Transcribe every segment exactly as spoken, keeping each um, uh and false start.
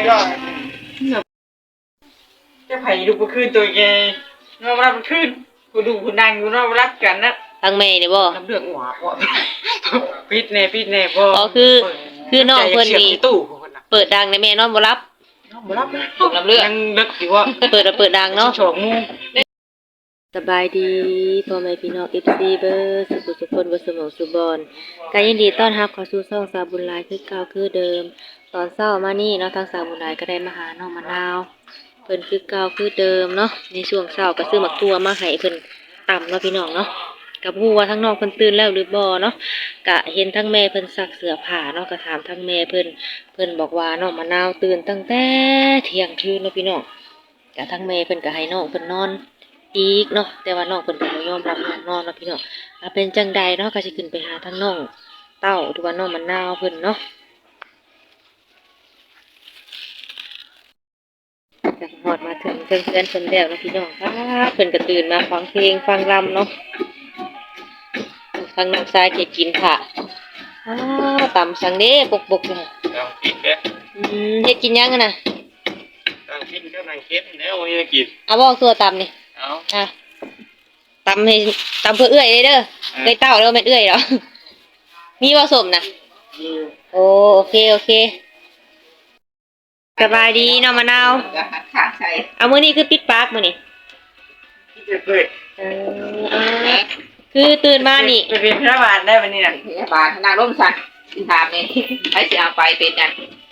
ก็จะไผ่ดูบ่คืนตัวแกนอนรับคืนกูดูกูนั่งกูนอนรับกันนะทางแม่นี่บ่น้ำเลือดหัวบ่ปิดแน่ปิดแน่บ่อ๋อคือคือน้องเพิ่นนี่ตู้เปิดดังในแม่นอนบ่รับบ่รับน้ำเลือดยังเลิกอยู่ว่าเปิดเปิดดังเนาะโฉกงูสบายดีพ่อแม่พี่น้อง เอฟ ซี เบอร์สุขสุขคนบ่สมองสุบอนก็ยินดีต้อนรับเข้าสู่ช่องสาวบุญหลายคือเก่าคือเดิมตอนเช้ามานี่เนาะทางสาวบุญหลายก็ได้มาหาน้องมะนาวเพิ่นคือเก่าคือเดิมเนาะในช่วงเช้าก็ซื้อหมักตัวมาให้เพิ่นตำเนาะพี่น้องเนาะก็บ่ฮู้ว่าทั้งน้องเพิ่นตื่นแล้วหรือบ่เนาะก็เห็นทั้งแม่เพิ่นซักเสื้อผ้าเนาะก็ถามทั้งแม่เพิ่นเพิ่นบอกว่าน้องมะนาวตื่นตั้งแต่เที่ยงคืนเนาะพี่น้องก็ทั้งแม่เพิ่นก็ให้น้องเพิ่นนอนอีกเนาะแต่ว่าน้องเพิ่นก็บ่ยอมรับอยากนอนเนาะพี่น้องอ่ะเป็นจังใดเนาะก็สิขึ้นไปหาทั้งน้องเต้าหรือว่าน้องมะนาวเพิ่นเนาะจะฮอดมาถึงเพิ่นเพิ่นเพิ่นแล้วเนาะพี่น้องครับเพิ่นก็ตื่นมาฟังเพลงฟังรำเนาะทางน้องชายเฮ็ดกินค่ะอ้าวตำสังเด้ปกๆเลยนั่งกินเด้ออืมเฮ็ดกินยังอะน่ะนั่งกินก็นั่งเก็บแล้ววันนี้กินเอาบ่ตัวตำนี่เอาอ่ะตำให้ตำเพื่อเอื้อยเลยเด้อเอื้อยเต้าแล้วแม่นเอื้อยเหรอมีผสมน่ะโอ้โอเคโอเคสบายดีน้องมะนาวเอามื้อนี้คือปิดปากมื้อนี้เปิดเออคือตื่นมานี่ไปเป็นพยาบาลได้วันนี้น่ะพยาบาลนางร่มสันถามนี่ให้สิเอาไปเป็นจัง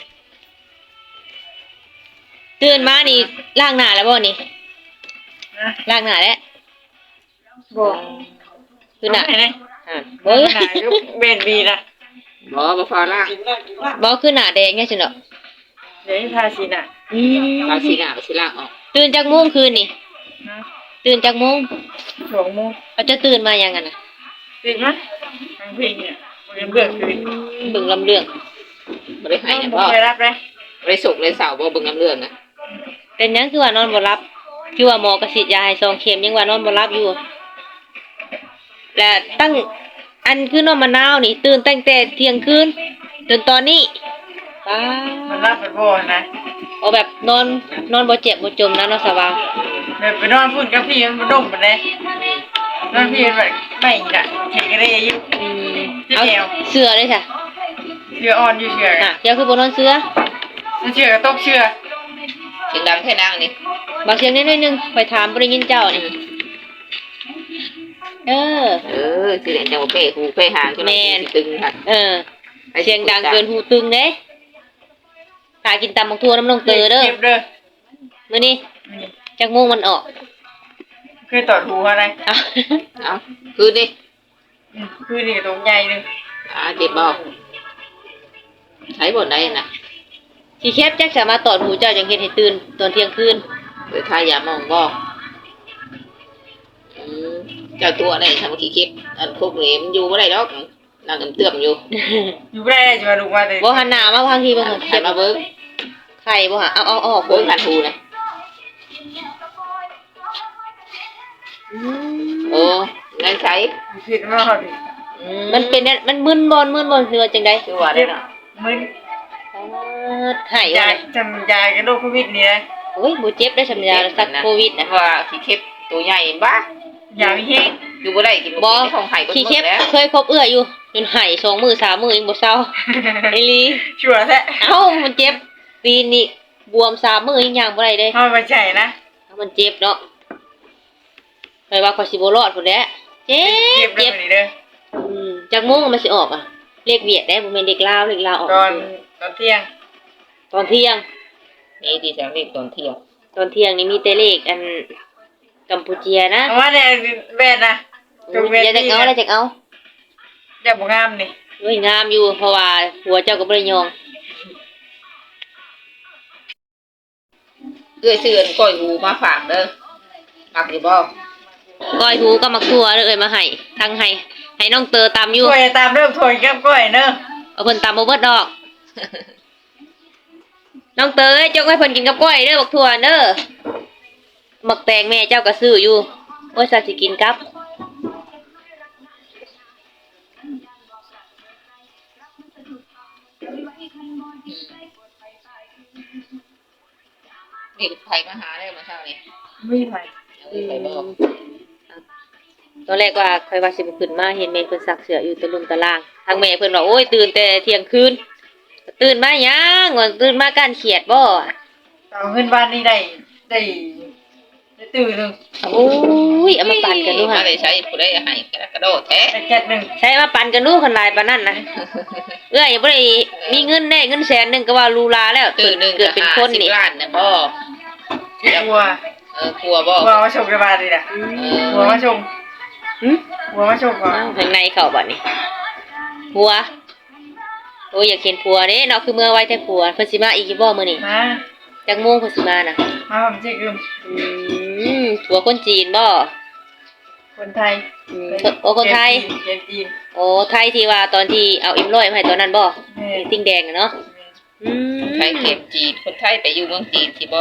ตื่นมานี่ล้างหน้าแล้วบ่นี่ล้างหน้าแล้วบ่คือหน้าอ่าบ่หน้าเบนบีนะบ่บ่พอละบ่คือหน้าแดงแค่ซั่นดอกเดี๋ยวทาสีน่ะอืมทาสีหน้าสิล้างออกตื่นจักโมงคืนนี่ตื่นจักโมงสองโมงเอาจะตื่นมายังกันน่ะตื่นมั้ยทางเพลงเนี่ยเบิ่งเรื่องคือเบิ่งลำเรื่องบ่ได้ให้เนี่ยบ่ได้รับเลยบ่ได้สุกเลยเสาร์บ่เบิ่งลำเรื่องนะเป็นหยังคือว่านอนบ่หลับคือว่าหมอกระสิยาให้สองเข็มยังว่านอนบ่หลับอยู่และตั้งอันคือน้องมะนาวนี่ตื่นตั้งแต่เที่ยงคืนจนตอนนี้ป้ามันรับเป็นบ่นะเอาแบบนอนนอนบ่เจ็บบ่จมนะเนาะสว่างแบบไปนอนพูดกับพี่มันบ่ดมปานใดนอนพี่แบบไม่น่ะเฮ็ดก็ได้อยู่อืมเอาเสื้อเลยจ้ะเสื้ออ่อนอยู่เสื้อน่ะเดี๋ยวคือบ่นอนเสื้อเสื้อก็ตกเสื้อเสียงดังแท้นางนี่บางเสียงนิดนึงไปถามบ่ได้ยินเจ้านี่เออเออสิเล่นจังบ่เป้หูเป้หางจนตึงค่ะเออเสียงดังเกินหูตึงเด้หากินตำบักทั่วน้ำลงเตอเด้อเก็บเด้อมื้อนี้จักโมงมันออกคือตอดหูอะไรเอ้าเอ้าคือดิคือนี่ตรงใหญ่นึงอ่าเจ็บบ่ใช้บ่ได้น่ะสิแคบจักสามารถตอดหูเจ้าจังเฮ็ดให้ตื่นตอนเที่ยงคืนไปทายามองบ่อืมเจ้าตัวได้ทำขี้เข็บอันพวกนี้มันอยู่บ่ได้ดอกนั่งเตื้อมอยู่อยู่บ่ได้จะมาดูว่าแต่บ่หันหน้ามาพังทีบ่เข็บมาเบิ่งไข่บ่หาเอาเอาออกเบิ่งหันหูนะโอ้นั่นใช้ผิดมากดิมันเป็นมันมึนบ่มึนบ่คือว่าจังได๋คือว่าได้เนาะมึนหายว่าจำยากับโรคโควิดนี่นะโอ้ยบ่เจ็บได้จำยาสักโควิดนะว่าขี้เข็บตัวใหญ่บ้ยามีเฮงอยู่บ่ได้กินบ่กินของไห้ก็ขี้เข็บเคยคบเอื้ออยู่จนไห้สองมื้อสามมื้อยังบ่เซาอีหลีชัวร์แท้เอ้ามันเจ็บปีนี้บวมสามมื้อยังย่างบ่ได้เด้เฮาบ่ใช่นะมันเจ็บเนาะไปว่าขอยสิบ่รอดพุ่นแหละเจ็บเจ็บเด้ออืมจักโมงมันสิออกอ่ะเลขเวียดได้บ่แม่นเลขลาวเลขลาวออกตอนตอนเที่ยงตอนเที่ยงนี่ที่จังเลขตอนเที่ยงตอนเที่ยงนี่มีแต่เลขอันกัมพูเชียนะว่าแต่แม่น่ะตรงเวทีจักเอาแล้วจักเอาอย่าบ่งามนี่เฮ้ยงามอยู่เพราะว่าหัวเจ้าก็บ่ได้ยองเอื้อยซื้อก้อยหูมาฝากเด้อมักอยู่บ่ก้อยหูก็มักทั่วเด้อเอ้ยมาให้ทั้งให้ให้น้องเตอตำอยู่ก้อยตามเริ่มถอยกับก้อยเด้อเอาเพิ่นตำบ่เบิดดอกน้องเตอจกให้เพิ่นกินกับก้อยเด้อบักทั่วเด้อมักแตงแม่เจ้าก็ซื้ออยู่โอ้ยซะสิกินกับนี่ไผมาหาได้มาเช้านี่ไม่ไปเอาไปบอกตอนแรกว่าใครว่าสิบ่ขึ้นมาเห็นแม่เพิ่นซักเสื้ออยู่ตะลุมตะล่างทางแม่เพิ่นว่าโอ้ยตื่นแต่เที่ยงคืนตื่นมาหยังว่าตื่นมาการเขียดบ่เอาเงินบ้านนี่ได้ได้ได้ตื่นหนึ่งโอ้ยเอามาปั่นกันดูมาค่ะได้ใช้ผู้ใดให้กระโดดแท้ได้เจ็ดหนึ่งใช้มาปั่นกันดูคนหลายปานนั้นนะเอ้ยบ่ได้มีเงินแน่เงินแสนหนึงก็ว่าลูลาแล้วตื่นหนึงเกิดเป็นคนนี่ล้านน่ะบ่กลัวเออกลัวบ่กลัวมาชมกันบ้านนี่นะกลัวมาชมหึกลัวมาชมก่อนอ้าวข้างในเข้าบัดนี้ผัวโอ้ยอยากเห็นผัวเด้เนาะคือเมื่อไว้แต่ผัวเพิ่นสิมาอีกอยู่บ่มื้อนี้มาจักโมงเพิ่นสิมาน่ะมาผมเช็คอืมอืมผัวคนจีนบ่คนไทยอืมโอ้คนไทยเกมจีนโอ้ไทยที่ว่าตอนที่เอาเอ็มร้อยมาให้ตอนนั้นบ่แม่ไอ้ติ้งแดงน่ะเนาะอืมไทยเก็บจีนคนไทยไปอยู่เมืองจีนที่บ่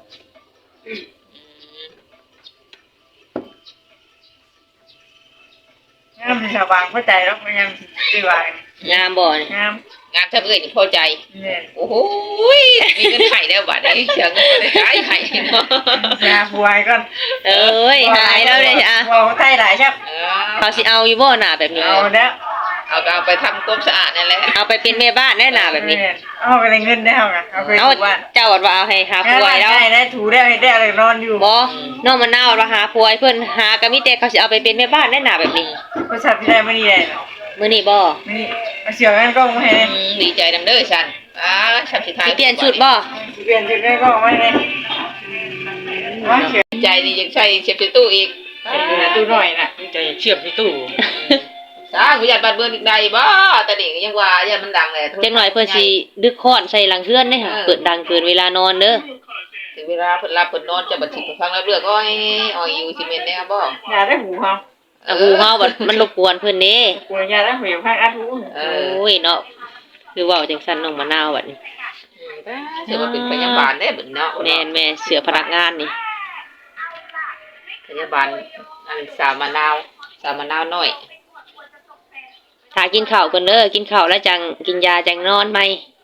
งามที่ชาวบางเข้าใจแล้วมันยังดีกว่างามบ่นี่งามงานถ้าเอ้ยนี่พอใจเนี่ยโอ้โหยมีเงินไข่แล้วบัดนี้เสียเงินไปได้ไข่เนาะยาบวยก่อนเอ้ยหายแล้วเลยอ่ะว่าไทยหลายครับเอเขาสิเอาอยู่บ่หน้าแบบนี้เอาแล้วเอาก็เอาไปทำความสะอาดนั่นแหละเอาไปเป็นแม่บ้านแน่หน้าแบบนี้เอาไปเลยเงินได้เอาไงเอาไปเอาถูบ้านเจ้าว่าเอาให้หางานผัวบ้านให้แล้วได้ได้ถูได้ได้อะไรนอนอยู่บ่น้องมะนาวว่าหาผัวให้เพิ่นหาก็มีแต่เขาสิเอาไปเป็นแม่บ้านแน่หน้าแบบนี้ก็ชัดที่ได้ไม่ดีเลยมื้อนี้บ่นี่มาเสียกันก็ไม่ให้อืมดีใจนำเด้อฉันอ่าฉันสิทายสิเปลี่ยนชุดบ่เปลี่ยนชุดได้ก็ไม่ได้ว่าเขียนดีใจนี่ยังใช้เชฟในตู้อีกอยู่ในตู้หน่อยน่ะใจเชื่อมในตู้สาผู้ใหญ่บ้านเมืองอีกใดบ่แต่นี่ยังว่าอย่ามันดังแหละจังหน่อยเพิ่นสิดึกค้อนใส่หลังเฮือนเด้ค่ะเปิดดังเกินเวลานอนเด้อถึงเวลาเพิ่นรับเพิ่นนอนจะบัดสิไปฟังแล้วเรื่องอ้อยอ้อยอยู่ซีเมนต์แน่บ่ยาได้หูเขาอ่ะหูเฮาบัดมันรบกวนเพิ่นเด้ปวดยาได้หูข้างอัดหูเอโอ้อยเนาะคือเว้าจังซั่นน้องมะนาวบัดนี้ถือว่าเป็นพยาบาลได้บัดเนาะแม่นแม่เสือพนักงานนี่พยาบาลอันสามมะนาวสามมะนาวน้อยถ้ากินข้าวก่อนเด้อกินข้าวแล้วจังกินยาจังนอนใหม่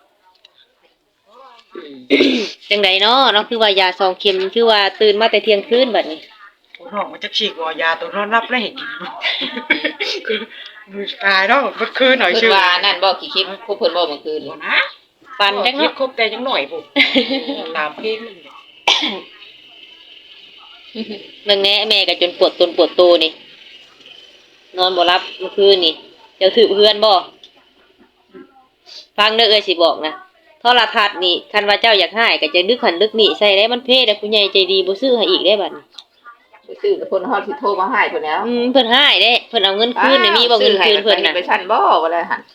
จังไดเนาะเนาะคือว่ายาสองเข็มคือว่าตื่นมาแต่เที่ยงคืนบัดนี้ตัวน้องมันจะฉีกว่ายาตัวนอนรับแล้วเห็นคือดูตายแล้วเมื่อคืนหน่อยเพิ่นชื่อว่านั่นบ่ขี้คิดพวกเพิ่นบ่เมื่อคืนนะปันจังคิดเนาะครบแต่ยังหน่อยผมตามเพลงนี่เบิ่งแหน่แม่ก็จนปวดตนปวดโตนี่ นอนบ่หลับเมื่อคืนนี่เจ้าถือเพื่อนบ่ฟังเด้อเอ้ยสิบอกนะโทรทัศน์นี่คันว่าเจ้าอยากให้ก็จะนึกหันนึกนี่ใส่ได้มันเพ่แต่ผู้ใหญ่ใจดีบ่ซื้อให้อีกได้บัดนี้ไปซื้อกับคนฮอดสิโทรมาให้เพิ่นแล้วอืมเพิ่นให้เด้เพิ่นเอาเงินคืนนี่มีบ่เงินคืนเพิ่นน่ะไปชั้นบ่ว่าแล้วหั่น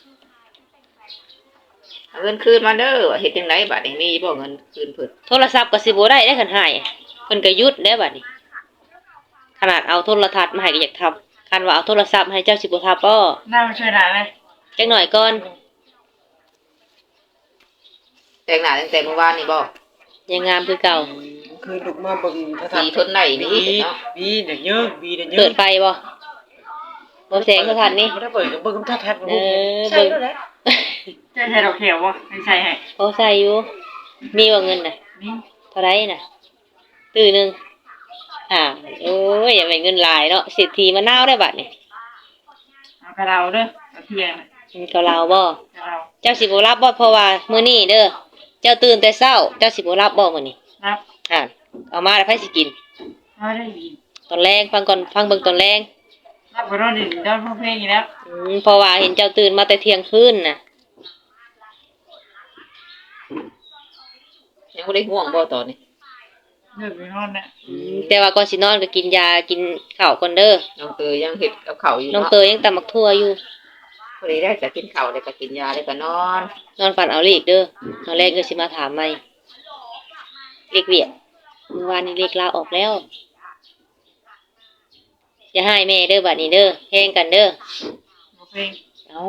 เอาเงินคืนมาเด้อว่าเฮ็ดจังไดบัดนี้มีบ่เงินคืนเพิ่นโทรศัพท์ก็สิบ่ได้ได้คันให้เพิ่นก็หยุดได้บัดนี้ ขนาดเอาโทรทัศน์มาให้ก็อยากทำคันว่าเอาโทรศัพท์ให้เจ้าสิบ่ทับบ่น่ามาช่วยหน่อยเลยจักหน่อยก่อนแต่งหน้าตั้งแต่เมื่อวานนี่บ่ยังงามคือเก่าคือลูกมาบึงพระธาสีตุทนได้นี่บีเนาะบีเดี๋ยวเยอะบีเดี๋ยวเยเปิอะดไฟบ่บ่แสงโทรทัศน์นี่ไม่ได้เปิดกับเบิ้งท่าแท้เออใช่แล้วแหละใช่ใช่ดอกเขียววะไม่ใช่ให้โอ้ใส่อยู่ มีบ่เงินน่ะนี่เท่าไรน่ะ ตื้อหนึงอ่าโอ้ยอย่าไปเงินหลายเนาะเศรษฐีมะนาวได้บัดนี่เอากระเราเด้อเอาเทียนมันก็ลาวบ่กระเราเจ้าสิบ่รับบ่เพราะว่ามื้อนี้เด้อเจ้าตื่นแต่เช้าเจ้าสิบ่รับบ่มื้อนี้นับอ่าเอามาแล้วไผสิกินเอาได้ดีตอนแรงฟังก่อนฟังเบิ่งตอนแรงนับไปรอดดิได้พวกเพลงอีกแล้วอืมเพราะว่าเห็นเจ้าตื่นมาแต่เที่ยงคืนน่ะยังบ่ได้ง่วงบ่ตอนนี้เลิกไปนอนนะอืมแต่ว่าก่อนสินอนก็กินยากินข้าวก่อนเด้อน้องเตยยังเฮ็ดกับข้าวอยู่น้องเนาะเตยยังตำมักทั่วอยู่พอดีได้จะกินข้าวแล้วก็กินยาแล้วก็นอนนอนฝันเอาเลขเด้อตอนแรกก็สิมาถามใหม่เลขเวียดเมื่อวานนี้เลขลาออกแล้วอย่าให้แม่เด้อบัดนี้เด้อแฮงกันเด้อพวกเพลงเอ้า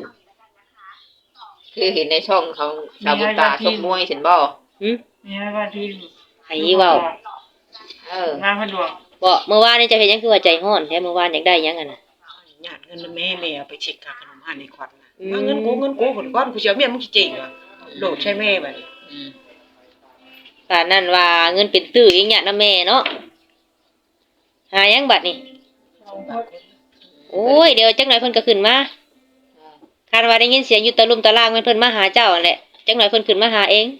คือเห็นในช่องเขาชาวบุญตาชกมวยเห็นบ่หึมีอะไรบ้างที่ให้เว้าเอองานพันดวงบ่เมื่อวานนี่เจะเฮ็ดหยังคือว่าใจร้อนแท้เมื่อวานอยากได้หยังอ่ะน่ะหยาดเงินแม่แม่เอาไปเช็คค่าขนมหันในขวัญนะอืมมาเงินกูเงินกูผลก้อนกูเสียเมียมึงจริงเหรอโดดใช่แม่บัดนี้อืมป่านนั้นว่าเงินเป็นตื้ออีหยังนะแม่เนาะหายังบัดนี่โอ้ยเดี๋ยวจักหน่อยเพิ่นก็ขึ้นมาคาดว่าได้ยินเสียงอยู่ตะลุมตะลางเพิ่นมาหาเจ้านั่นแหละจักหน่อยเพิ่นขึ้นมาหาเอง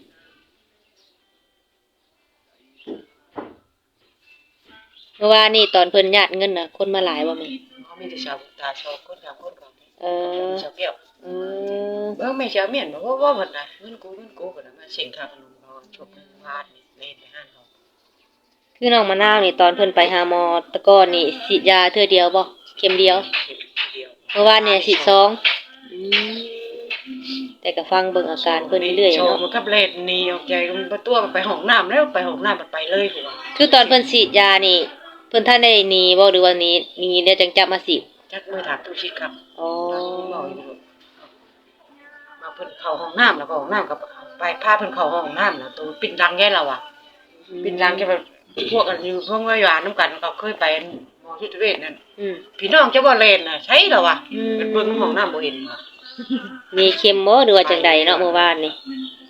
เมื่อวานนี่ตอนเพิ่นญาติเงินน่ะคนมาหลายบ่แม่เขามีแต่ชาวตาชาวคนชาวคนก่อนเออชาวเปรี้ยวเออเบิ่งแม่ชาวเมียนบอกว่าว่าเพิ่นน่ะเงินกูเงินกูเพิ่นน่ะมาเสิงค่าขนมเราจบพาดนี่เล่นไปห้านเขาคือน้องมะนาวนี่ตอนเพิ่นไปหาหมอแตะก่อนนี่ฉีดยาเทื่อเดียวบ่เข็มเดียวเข็มเดียวเมื่อวานเนี่ยฉีดสองอืมแต่ก็ฟังเบิ่งอาการเพิ่นเรื่อยๆโชว์เนาะมันกับเล่นนี่ออกใจมันบ่ตัวมันไปห้องน้ำแล้วไปห้องน้ำมันไปเลยพุ่นว่าคือตอนเพิ่นฉีดยานี่เพิ่นท่านได้หนีบ่หรือว่าหนีหนีแล้วจังจับมาฉีดจักมือถามตู้ชิดครับอ๋อบอกอยู่มาเพิ่นเข้าห้องน้ำแล้วก็ห้องน้ำกับไปพาเพิ่นเข้าห้องน้ำแล้วตัวปิ่นรังแย่เราอ่ะปิ่นรังแกแบบพวกกันอยู่พวกว่าหวานน้ำกันก็เคยไปหมอที่ตเวชนั่นอืมพี่น้องจะบ่เล่นน่ะใช่เหรอวะอืมเป็นเบิ่งห้องน้ำบ่เห็นว่ะมีเข็มบ่หรือว่าจังใดเนาะเมื่อวานนี่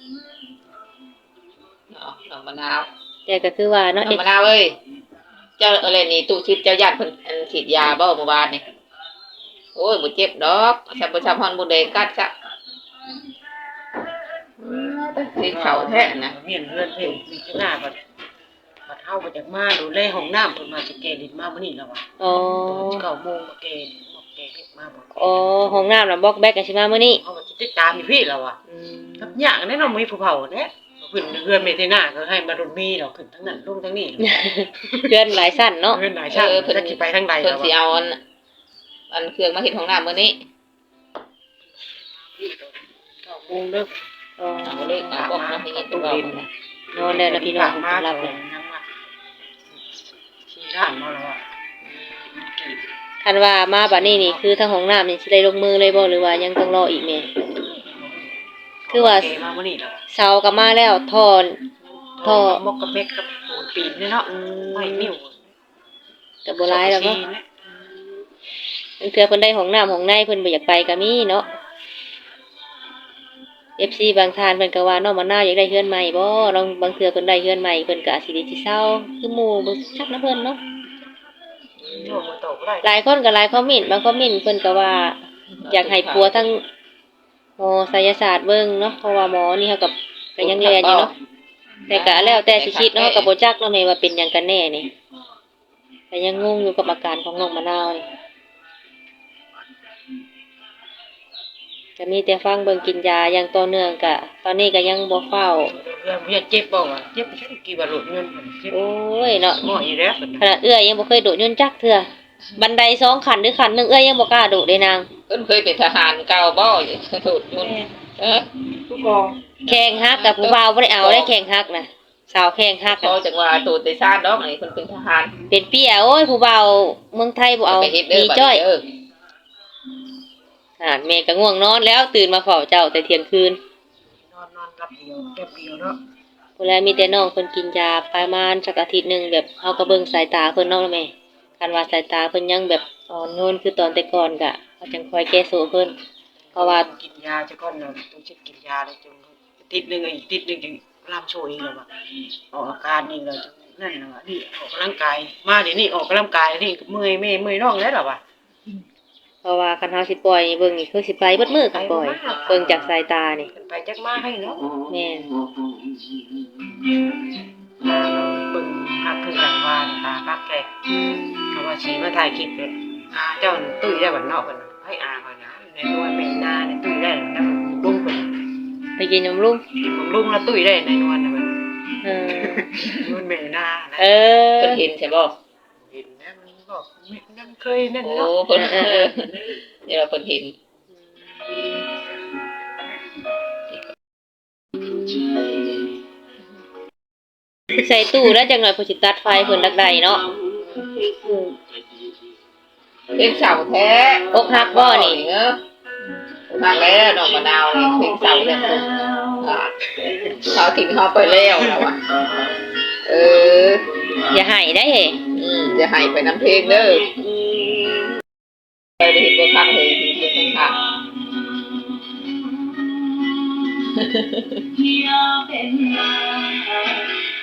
เนาะน้องมะนาวแต่ก็คือว่าน้เนาะองเอ็ดมะนาวเอ้ยเจ้าอะไรนี่ตู้ชิดเจ้าญาติเพิ่นอันฉีดยาบ่เมื่อวานนี่โอ้ยบ่เจ็บดอกชำบ่ชำฮอนบ่แดงกัดซะสิเข้าแท้นะเมียนเฮือนเพิ่นมีข้างหน้าบัดบัดเฮาบ่จักมาดูแลห้องน้ำเพิ่นมาสิแกดินมามื้อนี้แล้วว่ะอ๋อเก้าโมงมาแกดินมาแกเฮ็ดมาบ่อ๋อห้องน้ำน่ะบล็อกแบกกันสิมามื้อนี้เฮาก็สิติดตามอยู่พี่แล้วว่ะอืมครับยากแน่เนาะมีผู้เฒ่าแท้เพิ่นเฮือนเมเทน่าก็ให้มารุนมีดอกขึ้นทั้งนั้นลงทั้งนี้เพื่อนหลายสั้นเนาะเฮือนหลายชาติเพิ่นสิไปทางใดเพิ่นแล้วสิว่ะเอาอันอันเครื่องมาเฮ็ดห้องน้ำมื้อนี้เก้าโมงเด้ออ๋อเอาเลยเอาบอกมาให้เฮ็ดตู้เว้าดินนะนอนแล้วนะพี่น้องมารัรับบ เลเลย ยยังว่าที่ร้านมาแล้วว่ะคันว่ามาบัดนี้นี่คือทางห้องน้ำนี่สิได้ลงมือเลยบ่หรือว่ายังต้องรออีกแม่ คือว่าแกมามื้อนี้แล้วเสาก็มาแล้วทอน ท่อมกกับเม็ดกับปูนปีนเนี่ยเนาะไม่นิ่วก็บ่หลายแล้วเนาะบางเทื่อเพิ่นได้ห้องน้ำห้องในเพิ่นบ่อยากไปก็มีเนาะ เอฟ ซี บางท่านเพิ่นก็ว่าน้องมะนาวอยากได้เฮือนใหม่บ่ลองบางเทื่อเพิ่นได้เฮือนใหม่เพิ่นก็อาจสิได้สิเซาคือหมู่บ่ชักนะเพิ่นเนาะโยมมาตกได้หลายคนก็หลายคอมเมนต์บางคอมเมนต์เพิ่นก็ว่า อยากให้ปัวทั้งหมอไสยศาสตร์เบิ่งเนาะเพราะว่าหมอนี่เฮากับก็ยังเรียนอยู่เนาะแต่ก็แล้วแต่สิคิดเนาะก็บ่จักเนาะแม่ว่าเป็นหยังกันแน่นี่ก็ยังงงอยู่กับอาการของน้องมะนาวนี่ก็มีแต่ฟังเบิ่งกินยาอย่างต่อเนื่องก็ตอนนี้ก็ยังบ่เฝ้าเรื่องเรียนเจ็บบ่วะเจ็บไปกี่บาทหลุดเงินเจ็บโอ้ยเนาะหม้ออีแล้วขนาดเอื้อยยังบ่เคยโดดยนต์จักเทื่อบันไดสองขั้นหรือขั้นหนึงเอื้อยยังบ่กล้าโดดเลยนางเพิ่นเคยเป็นทหารเก่าบ่ถูกยุ่นเออทุกกองแข่งฮักกับผู้บ่าวบ่ได้เอาได้แข่งฮักน่ะสาวแข่งฮักพอน่ะจังว่าตูดได้ซ่านดอกนี่เพิ่นเป็นทหารเป็นเปี้ยโอ้ยผู้บ่าวเมืองไทยบ่เอาไปเฮ็ดเด้มีอบัดจ้อยนี้เด้ออ่าแม่ก็ง่วงนอนแล้วตื่นมาเฝ้าเจ้าแต่เที่ยงคืนนอนนอนรับเดียวแป๊บเดียวเนาะพุ่นแลมีแต่น้องเพิ่นกินยาประมาณสักอาทิตย์หนึงแบบเฮาก็เบิ่งสายตาเพิ่นเนาะแม่คันว่าสายตาเพิ่นยังแบบอ่อนโยนคือตอนแต่ก่อนก็เฮาจังคอยแก้โซเพิ่นเพราะว่ากินยาจะก้อนเนาะต้องเช็ดกินยาเลยจนติดนึงอีกติดนึงจึงลามโชยอีกแล้วว่ะออกอาการนี่แล้วนั่นน่ะว่ะนี่ออกกำลังกายมาเดี๋ยวนี้ออกกำลังกายนี่เมื่อยแม่เมื่อยน้องแล้วล่ะว่ะเพราะว่าคันเฮาสิปล่อยเบิ่งนี่คือสิไปเบิดมื้อคันปล่อยเบิ่งจากสายตานี่ไปจักมาให้เนาะแม่นเบิ่งหักคือกันว่าตาปักแกเขาว่าสีมาถ่ายคลิปเลยอาเจ้าตุ้ยได้บัดนอกกันให้อาก่อนนะในนวลแม่นาในตุ้ยได้นะลุงเพิ่นไปกินนมลุงลุงแล้วตุ้ยได้ในนวลนะมันเออนวลแม่นานะเออเพิ่นเห็นใช่บ่เห็นนะมันบอกนั่นเคยนั่นโอ้เนาะเพิ่นเออเดี๋ยวเพิ่นเห็นใส่ตู้แล้วจังหน่อยผู้สิตัดไฟเพิ่นดักใดเนาะเพลงเสาแท้อกหักบ่นี่เออหักแล้วน้องมะนาวนี่เพลงเสาเนี่ยอ่าเขาทิ้งเขาไปแล้วแล้วอ่ะเอออย่าให้ได้เฮ้อืมจะให้ไปน้ำเพลงเด้อไปเห็นบ่คักเลยเห็นบ่คักอยากเป็นมา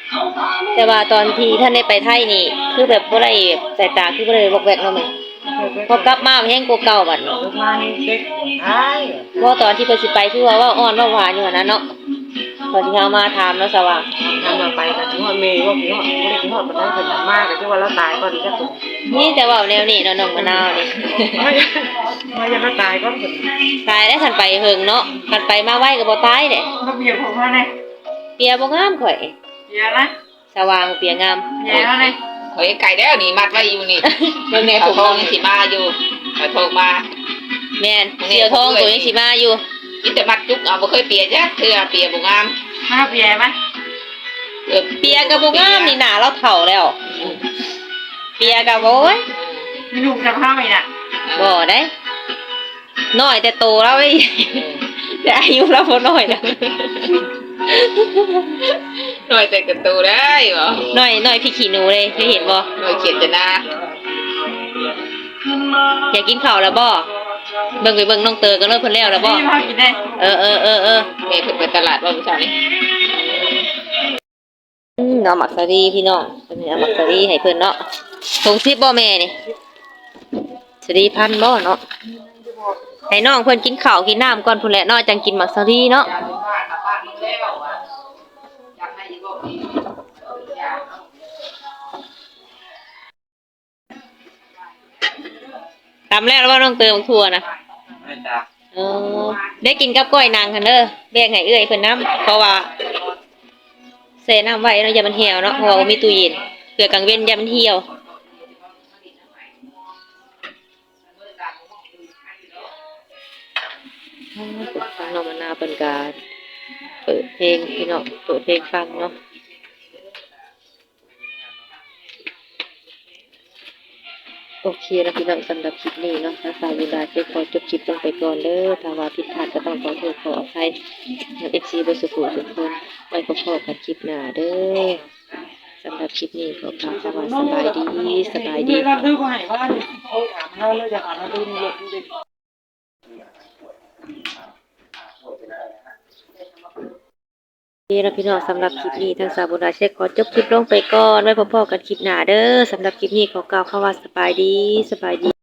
แต่ว่าตอนที่ท่านได้ไปไทยนี่ คือแบบบ่ได้สายตาคือบ่ได้วอกแวกเนาะแม่พอกลับมาแฮงกว่าเก่าบัดนี้ลูกมานี่เด็กหายบ่ตอนที่เพิ่นสิไปคือว่าเว้าอ่อนเว้าหวานอยู่หั่นนะเนาะตอนที่เฮามาถามเนาะสว่างทำมาไปก็ถึงฮอดเมย์ว่าพี่ฮอดบ่ได้กินฮอดปานใดเพิ่นน่ะมาก็คือว่าเราตายก่อนจักตัวนี่แต่เว้าแนวนี้เนาะน้องมะนาวนี่มามาจะมาตายก่อนเพิ่นตายได้คันไปเฮิงเนาะคันไปมาไวก็บ่ตายเด้มาเบียร์ผมเขาเนี่ยเปียบ่งามข่อยเบียร์นะสว่างเปียงามเบียร์เขาเนี่ยเฮ้ยไก่แล้วนี่มัดไว้อยู่นี่เบิ่งในผมน้องยังสิมาอยู่เอาโทรมาแม่นเสียวทองตัวยังสิมาอยู่มีแต่มัดจุกเอาบ่เคยเปียจ้ะเทื่อเปียบ่งามมาเบียร์ไหมเกือบเปียก็บ่งามนี่หน้าเราเฒ่าแล้ว เปียก็บ่โอ้ยมีลูกจะเข้าอีกน่ะบ่ได้น้อยแต่โตแล้วไอ้ย แต่อายุเราบ่น้อยนะหน่อยแต่กระตูได้บ่น้อยน้อยพี่ขี้หนูเลยเคยเห็นบ่หน่อยเขียนจะนาอยากกินข้าวแล้วบ่เบิ่งไปเบิ่งน้องเตอกันเลยเพิ่นแล้วแล้วบ่นี่พอกินได้เออเออเออเออแม่เพิ่นไปตลาดว่ามื้อเช้านี้อืมเอาหมักสาลีพี่น้องเพิ่นเอาหมักสาลีให้เพิ่นเนาะถุงสิบบ่แม่นี่สาลีพันบ่เนาะให้น้องเพิ่นกินข้าวกินน้ำก่อนพุ่นแหละเนาะจังกินหมักสาลีเนาะอยากเป็นบ้านกลับบ้านมึงแล้วอ่ะอยากให้อีกบ่มีอยากตำแล้วแล้วว่าน้องเติมทั่วนะไม่จ้าเออได้กินกับก้อยนางคันเด้อแบ่งให้เอื้อยเพิ่นน้ำเพราะว่าใส่น้ำไว้เนาะอย่ามันเหี่ยวเนาะเพราะว่าบ่มีตู้เย็นเผื่อกลางเว้นอย่ามันเหี่ยวฟังน้องมะนาวเป็นการเปิดเพลงพี่น้องเปิดเพลงฟังเนาะโอเคนะพี่น้องสำหรับคลิปนี้เนาะทางสาวยูดาจะขอจบคลิปลงไปก่อนเด้อถ้าว่าผิดพลาดก็ต้องขอโทษขออภัยกับ เอฟ ซี เบอร์สุขุทุกคนไว้พบกันคลิปหน้าเด้อสำหรับคลิปนี้ขอกล่าวคำว่าสบายดีสบายดีรับดื้อบ่ให้ว่าเขาถามเราเลยจะหาเราดื้อนี่เลยดูดินี่นะพี่น้องสำหรับคลิปนี้ทางสาวบุญราเช็คขอจบคลิปลงไปก่อนไว้พบกันคลิปหน้าเด้อสำหรับคลิปนี้ขอกล่าวคำว่าสบายดีสบายดี